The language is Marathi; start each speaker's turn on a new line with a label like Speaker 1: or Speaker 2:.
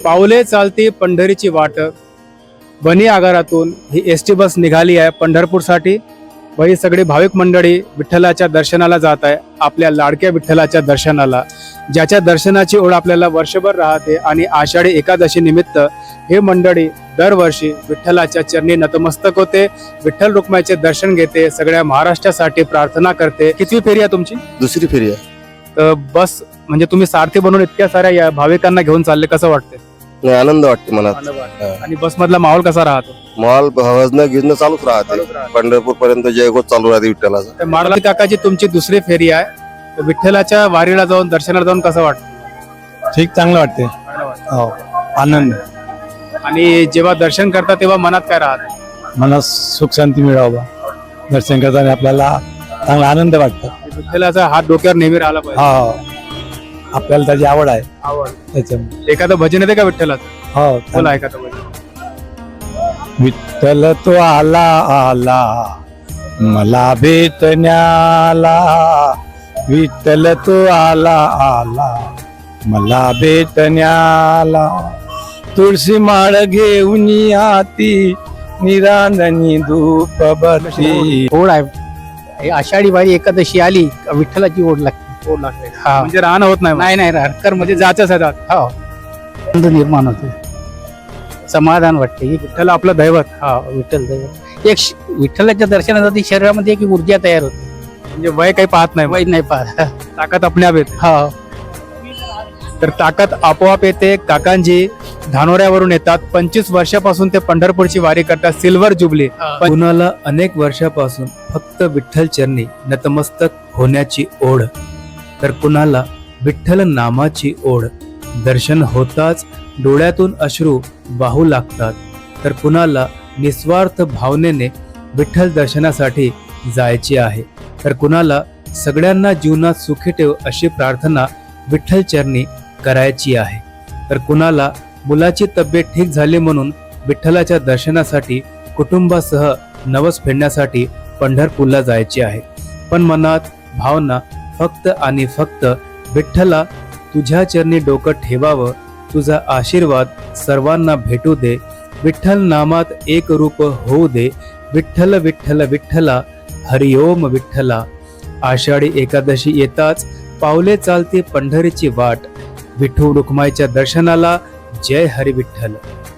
Speaker 1: पावले चालती पंढरीची वाट. बनी आगारातून ही एसटी बस निघाली आहे पंढरपूरसाठी व ही सगळी भाविक मंडळी विठ्ठलाच्या दर्शनाला जात आहे, आपल्या लाडक्या विठ्ठलाच्या दर्शनाला, ज्याच्या दर्शनाची ओढ आपल्याला वर्षभर राहते. आणि आषाढी एकादशी निमित्त हे मंडळी दरवर्षी विठ्ठलाच्या चरणी नतमस्तक होते, विठ्ठल रुक्माईचे दर्शन घेते, सगळ्या महाराष्ट्रासाठी प्रार्थना करते. कितवी फेरी आहे तुमची?
Speaker 2: दुसरी फेरी आहे.
Speaker 1: तर बस म्हणजे तुम्ही सारथी बनून इतक्या साऱ्या या भाविकांना घेऊन चालले, कसं वाटते?
Speaker 2: नाही, आनंद वाटते मनात.
Speaker 1: आणि बस मधला माहोल कसा राहतो?
Speaker 2: मॉल भजन गिजणं चालूच राहते. पंढरपूर पर्यंत जयघोष चालू राहते विठ्ठलाचा.
Speaker 1: तर माडला काकाची तुमची दुसरी फेरी आहे, तर विठ्ठलाच्या वारीला जाऊन दर्शनाला जाऊन कसं वाटतं?
Speaker 3: ठीक, चांगलं वाटते. हो, आनंद.
Speaker 1: आणि जेव्हा दर्शन करता तेव्हा मनात काय राहत?
Speaker 3: मनात सुख शांती मिळावं. दर्शन करताना आपल्याला चांगला आनंद वाटतो.
Speaker 1: विठ्ठलाचा हात डोक्यावर नेहमी राहिला पाहिजे.
Speaker 3: हो, आपल्याला त्याची आवड आहे
Speaker 1: आवड.
Speaker 3: त्याच्यामुळे.
Speaker 1: एखादं भजन येते का विठ्ठलाचं?
Speaker 3: हो,
Speaker 1: बोला एखादं भजन.
Speaker 3: विठ्ठल तो आला आला मला भेटण्याला, विठ्ठल तो आला आला मला भेटण्याला, तुळशी माळ घेऊन आती निरांजनी धूप बरती.
Speaker 4: ओढ आहे. आषाढी वारी एकादशी आली का विठ्ठलाची ओढ लागते.
Speaker 1: ओढ लागते.
Speaker 4: हा.
Speaker 1: म्हणजे राहणं होत नाही.
Speaker 4: नाही नाही राहकर
Speaker 1: म्हणजे
Speaker 4: म्हणजे
Speaker 1: जायचंच आहे जात.
Speaker 4: हो, आनंद निर्माण होते, समाधान वाटते.
Speaker 1: विठ्ठल आपलं दैवत.
Speaker 4: हा, विठ्ठल दैवत. विठ्ठलाच्या दर्शनासाठी शरीरामध्ये एक ऊर्जा तयार होते.
Speaker 1: म्हणजे वय काही पाहत नाही,
Speaker 4: वाईट नाही पाहत.
Speaker 1: ताकद आपल्या येते.
Speaker 4: हा,
Speaker 1: तर ताकद आपोआप येते. काकांजी धानोऱ्यावरून येतात. 25 वर्षापासून ते पंढरपूरची वारी करतात, सिल्वर जुबली. कुणाला अनेक वर्षापासून फक्त विठ्ठल चरणी नतमस्तक होण्याची ओढ, तर कुणाला विठ्ठल नामाची ओढ. दर्शन होताच डोळ्यातून अश्रू वाहू लागतात, तर कुणाला निस्वार्थ भावनेने विठ्ठल दर्शनासाठी जायची आहे, तर कुणाला सगळ्यांना जीवनात सुखी ठेव अशी प्रार्थना विठ्ठल चरणी करायची आहे, तर कुणाला मुलाची तब्येत ठीक झाली म्हणून विठ्ठलाच्या दर्शनासाठी कुटुंबासह नवस फेडण्यासाठी पंढरपूरला जायचे आहे. पण मनात भावना फक्त आणि फक्त विठ्ठला तुझ्या चरणी डोकं ठेवावं, तुझा आशीर्वाद सर्वांना भेटू दे, विठ्ठल नामात एक रूप होऊ दे, विठ्ठल विठ्ठल विठ्ठला हरिओम विठ्ठला. आषाढी एकादशी येताच पावले चालते पंढरीची वाट, विठू रुक्माईच्या दर्शनाला. जय हरी विठ्ठल.